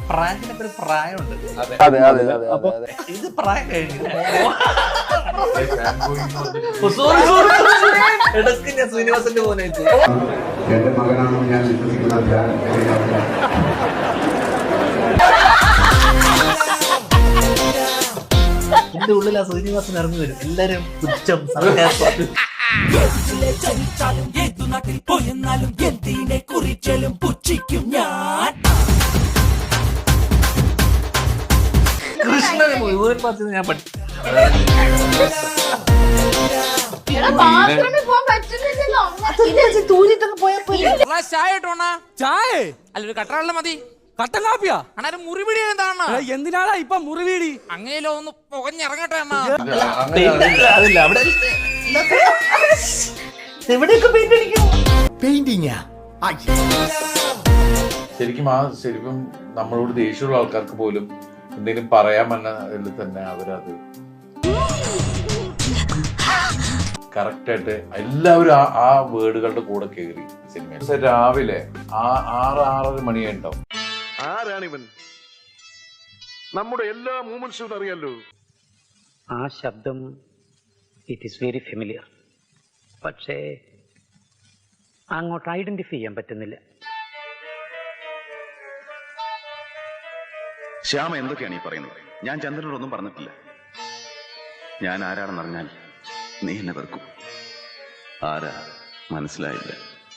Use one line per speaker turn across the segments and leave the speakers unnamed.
പ്രായത്തിനൊക്കെ ഒരു പ്രായമുണ്ട്.
അപ്പൊ
ഇത് പ്രായം കഴിഞ്ഞില്ല. ഇടയ്ക്ക് ഞാൻ ശ്രീനിവാസന്റെ പോലെ
എന്റെ മകനാണെന്ന് ഞാൻ വിശ്വസിക്കുന്ന
എന്റെ ഉള്ളിൽ ആ ശ്രീനിവാസൻ ഇറങ്ങി വരും. എല്ലാരും പുച്ഛം സർക്കാസം. കൃഷ്ണനെ മുഴുവൻ പറഞ്ഞത് ഞാൻ പഠിച്ചു.
ചായ അല്ലൊരു കട്ടറാളിന് മതി. കട്ടൻ കാപ്പിയാ അണ്ണാ? മുറിവിടി എന്താണ്? എന്തിനാടാ ഇപ്പൊ മുറിവിടി? അങ്ങനെയല്ലോ ഒന്ന് പുകഞ്ഞിറങ്ങട്ടെ അണ്ണാ.
അതില്ല അവിടെ എവിടെയൊക്കെ പെയിന്റ് അടിക്കും.
പെയിന്റിങ്ങാ
ശരിക്കും നമ്മളോട് ദേഷ്യമുള്ള ആൾക്കാർക്ക് പോലും എന്തെങ്കിലും പറയാമെന്നതിൽ തന്നെ അവരത് കറക്റ്റായിട്ട് എല്ലാവരും ആ വേർഡുകളുടെ കൂടെ കയറി സിനിമ. രാവിലെ 6-6:30 മണിയുണ്ടാവും.
ആരാണിവൻ? നമ്മുടെ എല്ലാ മൂവ്മെന്റ്സും അറിയാലോ.
ആ ശബ്ദം ഇറ്റ് ഈസ് വെരി ഫെമിലിയർ, പക്ഷേ അങ്ങോട്ട് ഐഡന്റിഫൈ ചെയ്യാൻ പറ്റുന്നില്ല.
ശ്യാമ എന്തൊക്കെയാണ് ഈ പറയുന്നത്? ഞാൻ ചന്ദ്രനോടൊന്നും പറഞ്ഞിട്ടില്ല. ഞാൻ ആരാണെന്നറിഞ്ഞാൽ നീ എന്നെ വെറുക്കും. ആരാ മനസ്സിലായില്ല?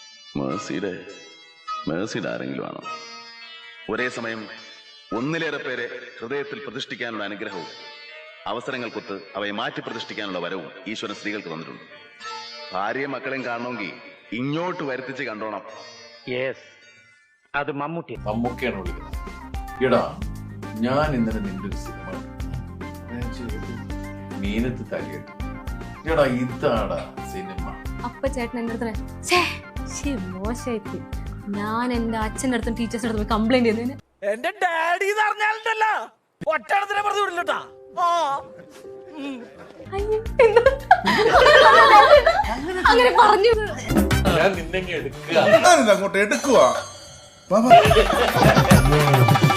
മേഴ്സിയുടെ ആരെങ്കിലും ആണോ? ഒരേ സമയം ഒന്നിലേറെ പേരെ ഹൃദയത്തിൽ പ്രതിഷ്ഠിക്കാനുള്ള അനുഗ്രഹവും അവസരങ്ങൾക്കൊത്ത് അവയെ മാറ്റി പ്രതിഷ്ഠിക്കാനുള്ള വരവും ഈശ്വരൻ സ്ത്രീകൾക്ക് തന്നിട്ടുണ്ട്. ഭാര്യയും മക്കളെയും കാണണമെങ്കിൽ ഇങ്ങോട്ട് വരുത്തിച്ച് കണ്ടോണം.
യെസ്, അത്
മമ്മൂക്കയാണ് വിളിക്കുന്നത്. എടാ, ഞാൻ ഇന്നലെ നിന്റെ ഒരു സിനിമ മീനത്ത് തലയിട്ടു. എടാ, ഇതാടാ സിനിമ.
അപ്പ ചേട്ടൻ എന്റെ അടുത്ത് മോശമായിട്ട് ഞാൻ എന്റെ അച്ഛൻ്റെ അടുത്തും ടീച്ചേഴ്സിന്റെ അടുത്തും കംപ്ലൈന്റ് ചെയ്തതിന്
എന്റെ ഡാഡി അറിഞ്ഞാലുണ്ടല്ലോ ഒറ്റടത്തിനെ പറഞ്ഞു വിടില്ലട്ടാ.
അങ്ങനെ പറഞ്ഞു.
ഞാൻ നിന്നെ എടുക്കുക.
അങ്ങോട്ട് എടുക്കുക.